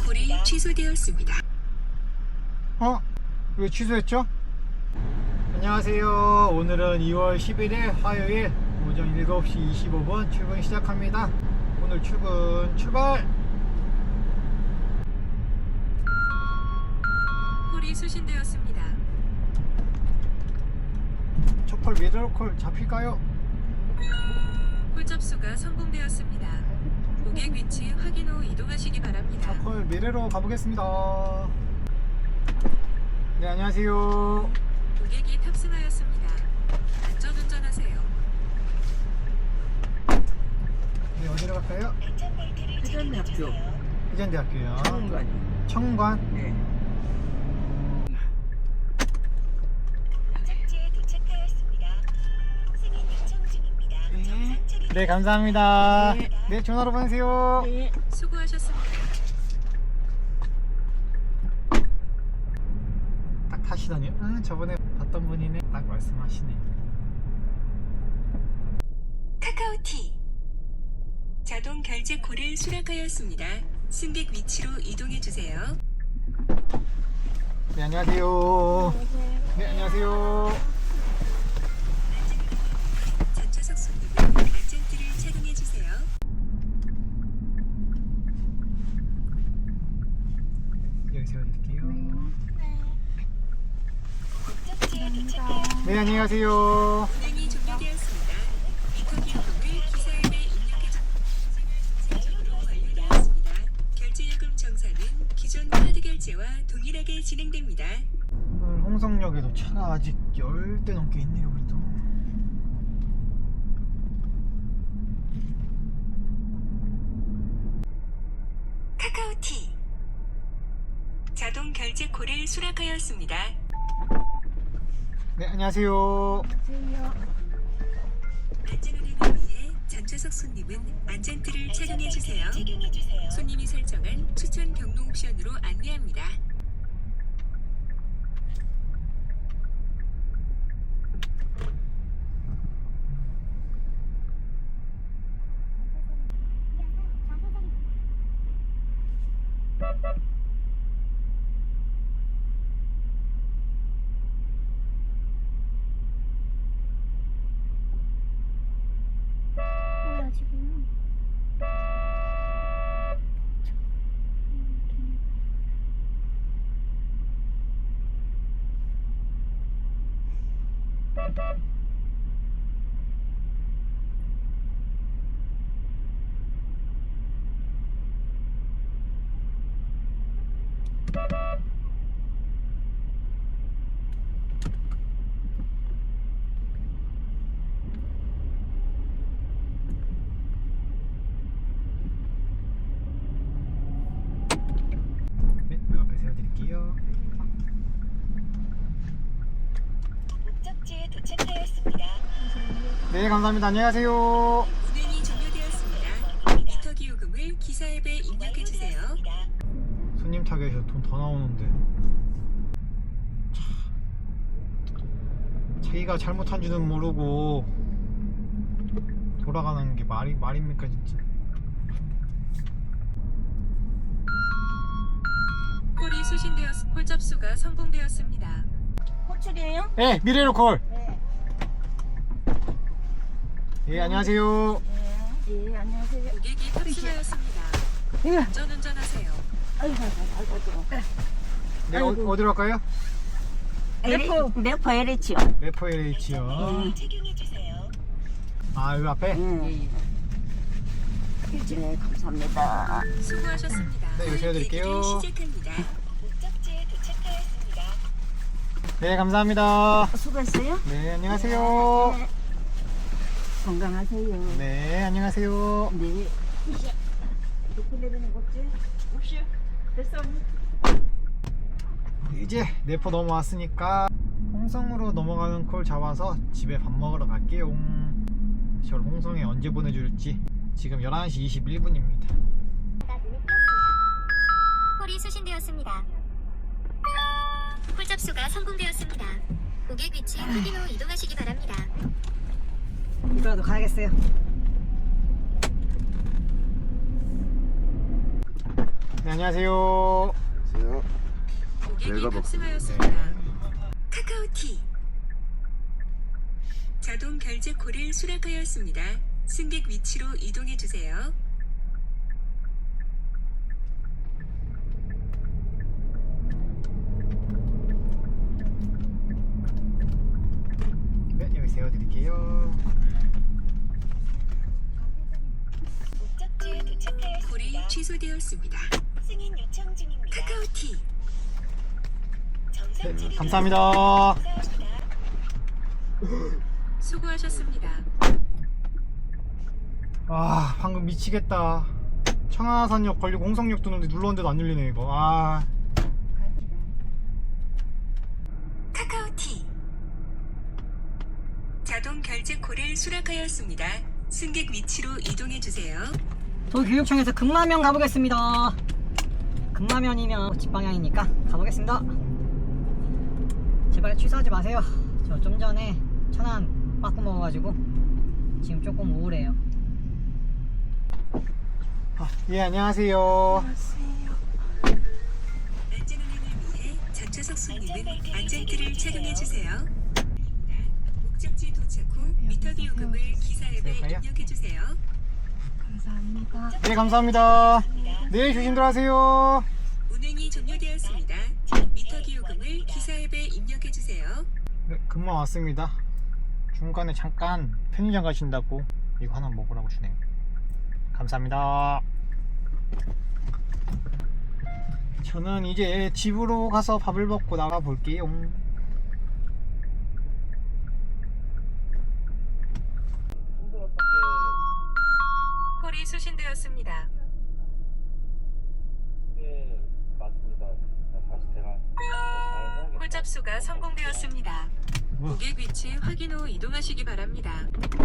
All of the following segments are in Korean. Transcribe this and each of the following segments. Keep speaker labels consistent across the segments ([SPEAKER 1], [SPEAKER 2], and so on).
[SPEAKER 1] 콜이 취소되었습니다.
[SPEAKER 2] 왜 취소했죠? 안녕하세요. 오늘은 2월 11일 화요일 오전 7시 25분 출근 시작합니다. 오늘 출발!
[SPEAKER 1] 콜이 수신되었습니다.
[SPEAKER 2] 첫콜 미러콜 잡힐까요?
[SPEAKER 1] 콜 접수가 성공되었습니다. 고객 위치 확인 후 이동하시기 바랍니다.
[SPEAKER 2] 첫콜 미래로 가보겠습니다. 네, 안녕하세요.
[SPEAKER 1] 고객이 탑승하였습니다. 안전운전하세요.
[SPEAKER 2] 네, 어디로 갈까요?
[SPEAKER 3] 회전학교
[SPEAKER 2] 회전대학교요.
[SPEAKER 3] 청관이.
[SPEAKER 2] 청관.
[SPEAKER 3] 네.
[SPEAKER 4] 목적지에 도착하였습니다. 승인 요청 중입니다. 정상 처리
[SPEAKER 2] 네, 감사합니다.
[SPEAKER 3] 네.
[SPEAKER 2] 네, 전화로 보내세요.
[SPEAKER 3] 네.
[SPEAKER 1] 수고하셨습니다.
[SPEAKER 2] 딱 타시더니, 저번에 봤던 분이네. 딱 말씀하시네.
[SPEAKER 1] 카카오티 자동 결제 콜을 수락하였습니다. 승객 위치로 이동해 주세요.
[SPEAKER 2] 네, 안녕하세요. 네, 안녕하세요.
[SPEAKER 1] 전차석 손님은 안전띠를 착용해 주세요.
[SPEAKER 2] 여기 세워드릴게요.
[SPEAKER 4] 목적지에 도착하였습니다.
[SPEAKER 2] 네, 안녕하세요.
[SPEAKER 1] 운행이 종료되었습니다. 미터 기록을 기사 앱에 입력해 주세요. 완료되었습니다. 결제 요금 정산은 기존 카드 결제와 동일하게 진행됩니다.
[SPEAKER 2] 오늘 홍성역에도 차가 아직 10대 넘게 있네요, 그래도.
[SPEAKER 1] 카카오티 자동 결제 콜을 수락하였습니다.
[SPEAKER 2] 네, 안녕하세요.
[SPEAKER 1] 안전운행을 위해 전차석 손님은 안전띠를 착용해 주세요.
[SPEAKER 4] 착용해 주세요.
[SPEAKER 1] 손님이 설정한 추천 경로 옵션으로 안내합니다.
[SPEAKER 5] 뭐야 지금?
[SPEAKER 2] 네, 그 앞에 세워드릴게요.
[SPEAKER 4] 목적지에 도착하였습니다.
[SPEAKER 2] 네, 감사합니다. 안녕하세요.
[SPEAKER 1] 운행이 종료되었습니다. 미터 기요금을 기사 앱에 입력해 주세요.
[SPEAKER 4] 완료되었습니다.
[SPEAKER 2] 손님 타겟에서 돈 더 나오는데. 자기가 잘못한 줄은 모르고 돌아가는 게 말입니까, 진짜.
[SPEAKER 1] 콜이 수신되었 콜 접수가 성공되었습니다.
[SPEAKER 3] 호출이에요?
[SPEAKER 2] 네, 미래로 콜.
[SPEAKER 3] 네.
[SPEAKER 2] 예, 안녕하세요.
[SPEAKER 3] 네. 안녕하세요.
[SPEAKER 1] 고객이 탑승하였습니다.
[SPEAKER 3] 예.
[SPEAKER 1] 안전운전하세요.
[SPEAKER 3] 아이고.
[SPEAKER 2] 네,
[SPEAKER 3] 아이고.
[SPEAKER 2] 어디로 갈까요?
[SPEAKER 3] 네포 LH요.
[SPEAKER 2] 레퍼 LH요.
[SPEAKER 4] 착용해 주세요.
[SPEAKER 2] 아, 여기 앞에?
[SPEAKER 3] 네. 네, 감사합니다.
[SPEAKER 1] 수고하셨습니다.
[SPEAKER 2] 네, 이거 세워드릴게요.
[SPEAKER 1] 대기를 시작합니다.
[SPEAKER 4] 목적지에 도착하였습니다.
[SPEAKER 2] 네, 감사합니다.
[SPEAKER 3] 수고했어요.
[SPEAKER 2] 네, 안녕하세요.
[SPEAKER 3] 네. 건강하세요.
[SPEAKER 2] 네, 안녕하세요.
[SPEAKER 3] 네. 높은 내리는 거지? 없이. 됐어.
[SPEAKER 2] 이제 내포 넘어왔으니까 홍성으로 넘어가는 콜 잡아서 집에 밥 먹으러 갈게요. 저를 홍성에 언제 보내줄지. 지금 11시 21분입니다.
[SPEAKER 5] 콜이 수신되었습니다. 콜 접수가 성공되었습니다. 고객 위치 확인 후 이동하시기 바랍니다.
[SPEAKER 3] 이거라도 가야겠어요.
[SPEAKER 2] 네, 안녕하세요.
[SPEAKER 1] 고객이
[SPEAKER 6] 내가
[SPEAKER 1] 탑승하였습니다. 카카오티 자동 결제콜을 수락하였습니다. 승객 위치로 이동해 주세요.
[SPEAKER 2] 네, 여기 세워드릴게요.
[SPEAKER 4] 목적지에
[SPEAKER 1] 콜이
[SPEAKER 4] 도착하였습니다.
[SPEAKER 1] 취소되었습니다.
[SPEAKER 4] 승인 요청 중입니다.
[SPEAKER 1] 카카오티
[SPEAKER 4] 정상
[SPEAKER 2] 네,
[SPEAKER 4] 처리
[SPEAKER 2] 감사합니다.
[SPEAKER 4] 감사합니다.
[SPEAKER 1] 수고하셨습니다.
[SPEAKER 2] 아, 방금 미치겠다. 청하산역 걸리고 홍성역 도는데 눌렀는데도 안 열리네 이거. 아,
[SPEAKER 1] 카카오티 자동 결제콜을 수락하였습니다. 승객 위치로 이동해 주세요.
[SPEAKER 3] 도교육청에서 금라면 가보겠습니다. 금라면이면 집 방향이니까 가보겠습니다. 제발 취소하지 마세요. 저 좀 전에 천안 빠꾸 먹어가지고 지금 조금 우울해요.
[SPEAKER 2] 예, 안녕하세요.
[SPEAKER 1] 안전운행을 위해 전좌석 손님은 안전띠를 착용해 주세요. 목적지 도착 후 미터비 요금을 기사 앱에 입력해 주세요.
[SPEAKER 2] 네, 감사합니다. 네, 조심들 하세요.
[SPEAKER 1] 운행이 종료되었습니다. 미터기 요금을 기사 앱에 입력해 주세요.
[SPEAKER 2] 네, 금방 왔습니다. 중간에 잠깐 편의점 가신다고 이거 하나 먹으라고 주네요. 감사합니다. 저는 이제 집으로 가서 밥을 먹고 나가 볼게요.
[SPEAKER 1] 콜이 수신되었습니다.
[SPEAKER 6] 네, 맞습니다. 다시 제가
[SPEAKER 1] 콜 접수가 성공되었습니다.
[SPEAKER 2] 뭐?
[SPEAKER 1] 고객 위치 확인 후 이동하시기 바랍니다.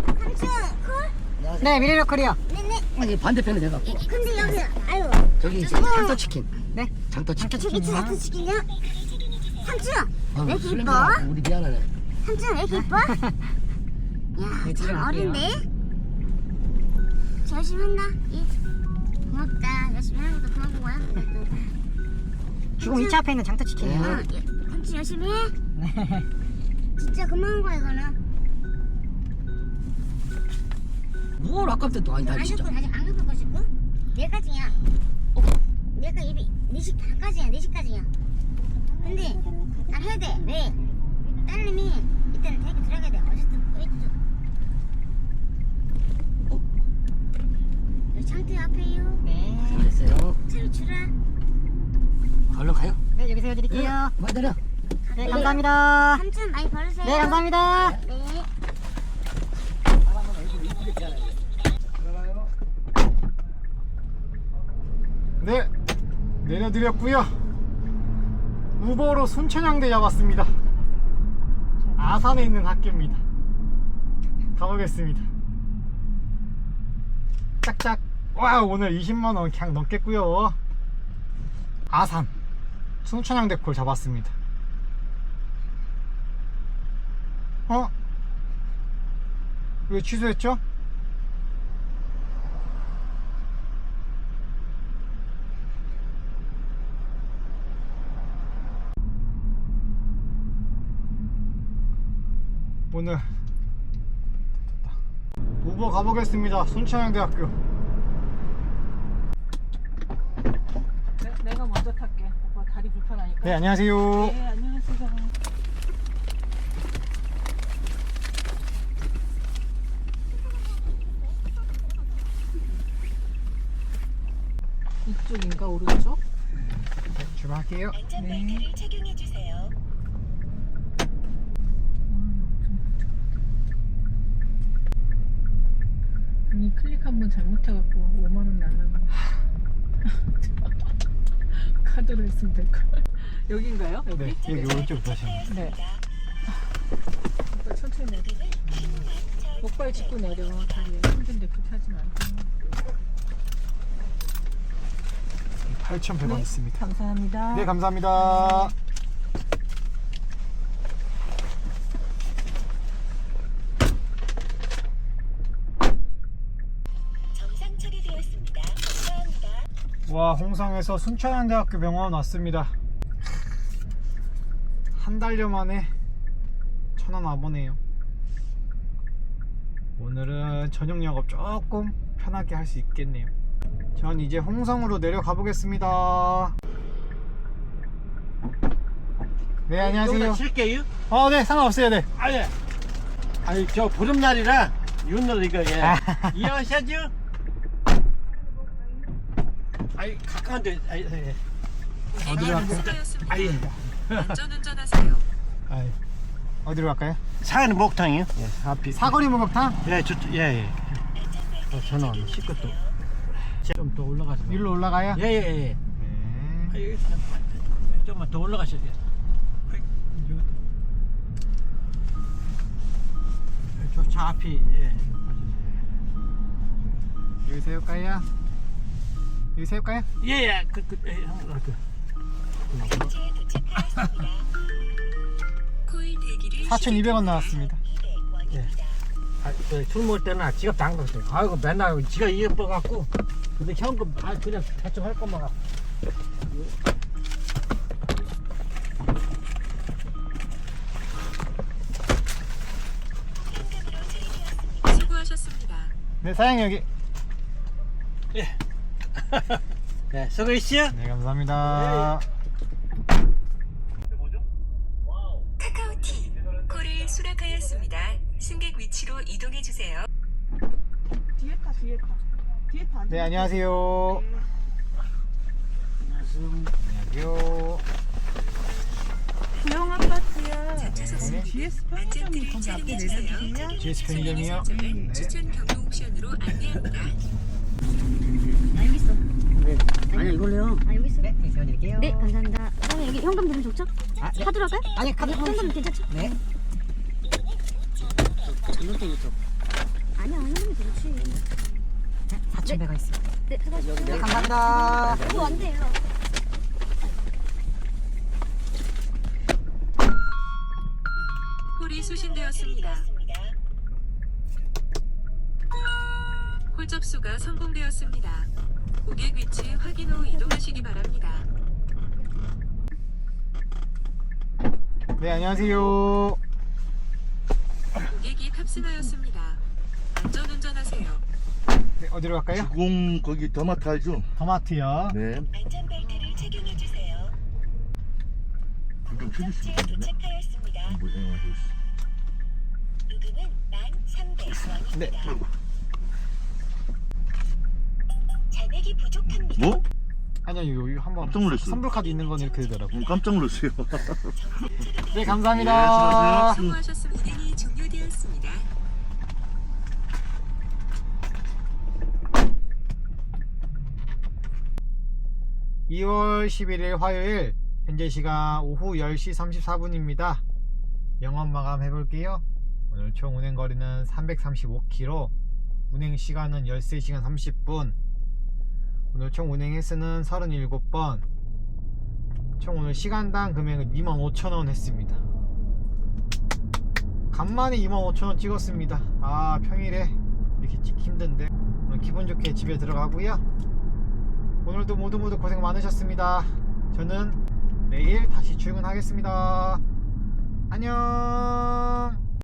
[SPEAKER 3] 네, 미래로컬이요.
[SPEAKER 7] 여기 반대편에 돼갖고
[SPEAKER 8] 근데 여기 아유
[SPEAKER 7] 저기 이제 장터치킨.
[SPEAKER 3] 네?
[SPEAKER 7] 장터치킨.
[SPEAKER 8] 저기 지나트 치킨이야? 삼촌
[SPEAKER 7] 아,
[SPEAKER 8] 왜
[SPEAKER 7] 술
[SPEAKER 8] 이렇게
[SPEAKER 7] 냄새
[SPEAKER 8] 이뻐?
[SPEAKER 7] 나고 우리 미안하네.
[SPEAKER 8] 삼촌 왜 이렇게 이뻐?
[SPEAKER 3] 네, 집에
[SPEAKER 8] 야참
[SPEAKER 3] 갈게요.
[SPEAKER 8] 어린데? 열심히 한다 이. 고맙다 열심히 하는 것도 고마워 그래도.
[SPEAKER 3] 지금 2차 앞에 있는 장터치킨이요.
[SPEAKER 8] 어, 삼촌 열심히 해? 진짜 고마운 거야 이거는.
[SPEAKER 7] 뭘 아깝다 아니다
[SPEAKER 8] 안
[SPEAKER 7] 진짜.
[SPEAKER 8] 긁고 아직 안 긁을 것이고 내일까지야. 내가 입이 4시 반까지야 4시까지야. 근데 난 해야 돼. 왜? 딸님이 이때는 대학교 들어가야 돼. 어쨌든 여기 창틀 앞에요.
[SPEAKER 3] 네.
[SPEAKER 7] 잘했어요.
[SPEAKER 8] 차를 주라.
[SPEAKER 7] 얼른 가요.
[SPEAKER 3] 네, 여기 세워드릴게요.
[SPEAKER 7] 맞아요.
[SPEAKER 3] 네, 감사합니다.
[SPEAKER 8] 삼촌 많이 벌으세요.
[SPEAKER 3] 네, 감사합니다.
[SPEAKER 8] 네.
[SPEAKER 2] 네, 내려드렸고요. 우버로 순천향대 잡았습니다. 아산에 있는 학교입니다. 가보겠습니다. 짝짝. 와, 오늘 20만원 그냥 넘겠고요. 아산 순천향대 콜 잡았습니다. 왜 취소했죠? 오늘 우버 가보겠습니다. 순천향대학교.
[SPEAKER 9] 내가 먼저 탈게. 오빠 다리 불편하니까.
[SPEAKER 2] 네, 안녕하세요.
[SPEAKER 9] 네, 안녕하세요. 이쪽인가 오른쪽?
[SPEAKER 2] 네, 출발할게요.
[SPEAKER 4] 안전벨트를 착용해 주세요.
[SPEAKER 9] 괜히 클릭 한 번 잘못해갖고 5만 원 날라가. 카드로 했으면 될 걸. 여긴가요? 여기?
[SPEAKER 2] 네, 여기 오른쪽 가시면 돼요.
[SPEAKER 9] 네. 오빠 천천히 내려. 목발 짚고 내려. 다리 힘든데 그렇게 하지 말고.
[SPEAKER 2] 8,100원
[SPEAKER 9] 네,
[SPEAKER 2] 있습니다.
[SPEAKER 9] 감사합니다.
[SPEAKER 2] 네, 감사합니다.
[SPEAKER 4] 정상 처리되었습니다. 감사합니다.
[SPEAKER 2] 와, 홍성에서 순천향대학교 병원 왔습니다. 한 달여 만에 천안 와보네요. 오늘은 저녁 영업 조금 편하게 할 수 있겠네요. 전 이제 홍성으로 내려가 보겠습니다. 네, 안녕하세요.
[SPEAKER 10] 칠게요?
[SPEAKER 2] 네, 상관없어요. 네.
[SPEAKER 10] 아니 저 보름날이라 윤날 이거 이해하셔야죠? 아니 가까운데
[SPEAKER 2] 어디로 갈까요?
[SPEAKER 1] 수고하셨습니다. 안전운전하세요.
[SPEAKER 2] 어디로 갈까요?
[SPEAKER 10] 사는 목탕이요? 예, 앞이
[SPEAKER 2] 사거리 목욕탕?
[SPEAKER 10] 예, 예. 전화 씻고 또 좀 더 올라가서
[SPEAKER 2] 위로 올라가요?
[SPEAKER 10] 예예예.
[SPEAKER 2] 네.
[SPEAKER 10] 좀만 더 올라가셔야 돼요. 저 앞이 예.
[SPEAKER 2] 여기 세울까요? 여기 세울까요?
[SPEAKER 10] 예예.
[SPEAKER 4] 현재 도착하였습니다.
[SPEAKER 1] 코일 대기를
[SPEAKER 2] 4,200원 나왔습니다.
[SPEAKER 4] 200원입니다.
[SPEAKER 10] 술 먹을 때는 지갑 당겼어요. 아이고 맨날 지가 이어뻐갖고 근데 현금 그냥 대충 할 것만 갖고.
[SPEAKER 1] 수고하셨습니다.
[SPEAKER 2] 네, 사장님 여기.
[SPEAKER 10] 네, 수고했어요.
[SPEAKER 2] 네, 감사합니다.
[SPEAKER 1] 카카오티 콜을 수락하였습니다. 승객 위치로 이동해 주세요.
[SPEAKER 9] 뒤에 타.
[SPEAKER 2] 네, 안녕하세요. 안녕하세요.
[SPEAKER 9] 구형 아파트야.
[SPEAKER 1] 자차선수
[SPEAKER 9] GS
[SPEAKER 1] 안전띠를
[SPEAKER 9] 편의점이 거기 앞에
[SPEAKER 1] 착용해주세요.
[SPEAKER 9] 내려주세요.
[SPEAKER 2] GS 편의점이요?
[SPEAKER 1] 설정은
[SPEAKER 2] 네.
[SPEAKER 1] 추천 경로 옵션으로 안내합니다.
[SPEAKER 8] 여기 있어.
[SPEAKER 3] 아니 이걸로요.
[SPEAKER 8] 여기 있어.
[SPEAKER 3] 네, 세워드릴게요.
[SPEAKER 8] 네, 감사합니다. 사장님 여기 현금 드리면 좋죠?
[SPEAKER 3] 네.
[SPEAKER 8] 카드로 할까요?
[SPEAKER 3] 아니 카드
[SPEAKER 8] 현금 괜찮죠?
[SPEAKER 3] 네. 전동대기 쪽.
[SPEAKER 8] 아니야, 현금이 좋지.
[SPEAKER 3] 4,100원 있어요.
[SPEAKER 8] 네, 수고하셨습니다.
[SPEAKER 3] 네, 감사합니다.
[SPEAKER 8] 이거 안 돼요.
[SPEAKER 1] 콜이 수신되었습니다. 콜 접수가 성공되었습니다. 고객 위치 확인 후 이동하시기 바랍니다.
[SPEAKER 2] 네, 안녕하세요.
[SPEAKER 1] 고객이 탑승하였습니다. 안전운전하세요.
[SPEAKER 2] 네, 어디로 갈까요?
[SPEAKER 11] 주공 거기 더마트 알죠?
[SPEAKER 2] 토마트요.
[SPEAKER 11] 네.
[SPEAKER 4] 안전벨트를 착용해 주세요.
[SPEAKER 11] 불좀 켜주시면
[SPEAKER 4] 현재
[SPEAKER 11] 되네.
[SPEAKER 4] 도착하였습니다.
[SPEAKER 11] 뭐야?
[SPEAKER 4] 요금은 1,300원입니다.
[SPEAKER 2] 네.
[SPEAKER 4] 잔액이 부족합니다.
[SPEAKER 11] 뭐?
[SPEAKER 2] 아니요, 여기 한번
[SPEAKER 11] 깜짝 놀랐어요.
[SPEAKER 2] 선불카드 있는 건 이렇게 되더라고요.
[SPEAKER 11] 깜짝 놀랐어요.
[SPEAKER 2] 네, 감사합니다.
[SPEAKER 1] 수고하셨습니다. 운행이 종료되었습니다.
[SPEAKER 2] (2월 11일) 화요일 현재 시간 오후 10시 34분입니다 영업 마감 해볼게요. 오늘 총 운행 거리는 335km, 운행 시간은 13시간 30분, 오늘 총 운행 횟수는 37번, 총 오늘 시간당 금액은 25,000원 했습니다. 간만에 25,000원 찍었습니다. 평일에 이렇게 찍기 힘든데 오늘 기분 좋게 집에 들어가고요. 오늘도 모두 고생 많으셨습니다. 저는 내일 다시 출근하겠습니다. 안녕.